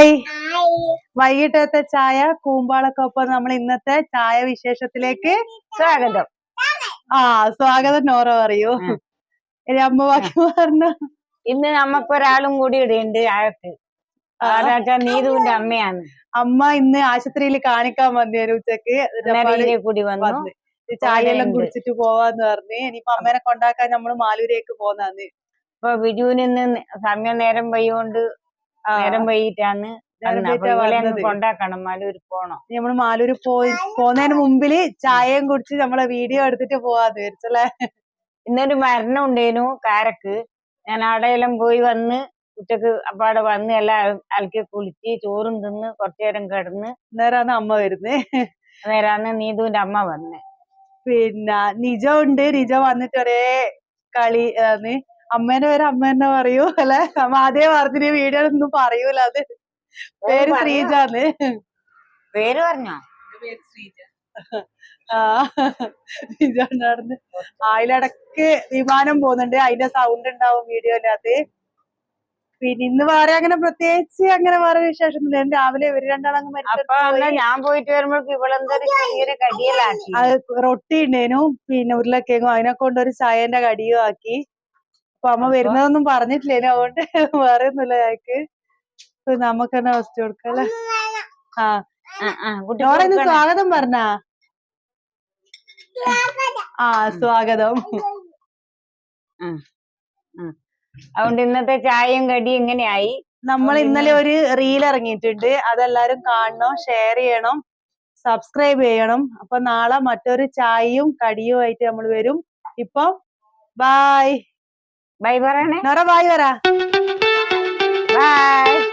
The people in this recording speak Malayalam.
ഹായ്. വൈകിട്ടത്തെ ചായ കൂമ്പാളക്കൊപ്പം നമ്മൾ ഇന്നത്തെ ചായ വിശേഷത്തിലേക്ക് സ്വാഗതം. സ്വാഗതം നോറ പറയൂ. അമ്മ ബാക്കി പറഞ്ഞ. ഇന്ന് നമുക്കൊരാളും കൂടി ഇടയുണ്ട് അകത്ത്. നീതുവിന്റെ അമ്മയാണ്. അമ്മ ഇന്ന് ആശുപത്രിയിൽ കാണിക്കാൻ വന്നേരും ഉച്ചക്ക്. കൂടി വന്നു. ചായയെല്ലാം കുടിച്ചിട്ട് പോവാന്ന് പറഞ്ഞ് ഇനിയിപ്പൊ അമ്മേനെ കൊണ്ടാക്കാൻ നമ്മള് മാലൂരേക്ക് പോന്നാന്ന്. ഇപ്പൊ ബിജുവിന് സമയം നേരം വൈകൊണ്ട് നേരം വൈകിട്ടാണ് കൊണ്ടാക്കണം. മാലൂര് പോണം. നമ്മള് മാലൂര് പോന്നതിന് മുമ്പില് ചായയും കുടിച്ച് നമ്മളെ വീഡിയോ എടുത്തിട്ട് പോവാന്ന് വിചാരിച്ചല്ലേ. ഇന്നൊരു മരണം ഉണ്ടേനു കാരക്ക്. ഞാൻ അവിടെയെല്ലാം പോയി വന്ന് ഉച്ചക്ക് അപ്പാടെ വന്ന് എല്ലാം അലക്കി കുളിച്ച് ചോറും തിന്ന് കുറച്ചേരം കിടന്ന് നേരാണ് അമ്മ വരുന്നേ. നേരാണ് നീതുവിന്റെ അമ്മ വന്നേ. പിന്നെ നിജ ഉണ്ട്. നിജ വന്നിട്ട് ഒരേ കളി ആണ്. അമ്മേന്റെ പേര് അമ്മ തന്നെ പറയൂ അല്ലെ. അമ്മ അതേ പറഞ്ഞ വീഡിയോ ഒന്നും പറയൂല. അത് പേര് ശ്രീജാന്ന്. പേര് പറഞ്ഞോ? നിജ നടന്ന് അതിലിടക്ക് വിമാനം പോകുന്നുണ്ട്. അതിന്റെ സൗണ്ട് ഉണ്ടാവും വീഡിയോയിലകത്ത്. പിന്നെ ഇന്ന് വേറെ അങ്ങനെ പ്രത്യേകിച്ച് അങ്ങനെ വേറെ വിശേഷം രാവിലെ ഇവര് രണ്ടാളങ്ങ് ഞാൻ പോയിട്ട് വരുമ്പോഴേക്ക് ഇവളെന്തൊരു ചെറിയൊരു കടിയലാക്കി. റൊട്ടി ഉണ്ടേനു പിന്നെ ഉരുളക്കിഴങ്ങും അതിനെ കൊണ്ടൊരു ചായന്റെ കടിയും ആക്കി. അപ്പൊ അമ്മ വരുന്നതൊന്നും പറഞ്ഞിട്ടില്ലേനു. അതുകൊണ്ട് വേറെ ഒന്നുമില്ല ഞങ്ങൾക്ക്. നമുക്ക് തന്നെ ഫസ്റ്റ് കൊടുക്കല്ലേ. കുട്ടിയോടെ സ്വാഗതം പറഞ്ഞാ. സ്വാഗതം. അതുകൊണ്ട് ഇന്നത്തെ ചായയും കടിയും ഇങ്ങനെയായി. നമ്മൾ ഇന്നലെ ഒരു റീൽ ഇറങ്ങിയിട്ടുണ്ട്. അതെല്ലാരും കാണണം, ഷെയർ ചെയ്യണം, സബ്സ്ക്രൈബ് ചെയ്യണം. അപ്പൊ നാളെ മറ്റൊരു ചായയും കടിയും ആയിട്ട് നമ്മൾ വരും. ഇപ്പൊ ബൈ. ബൈ പറയണേ. നോറ ബൈ പറ. ബൈ.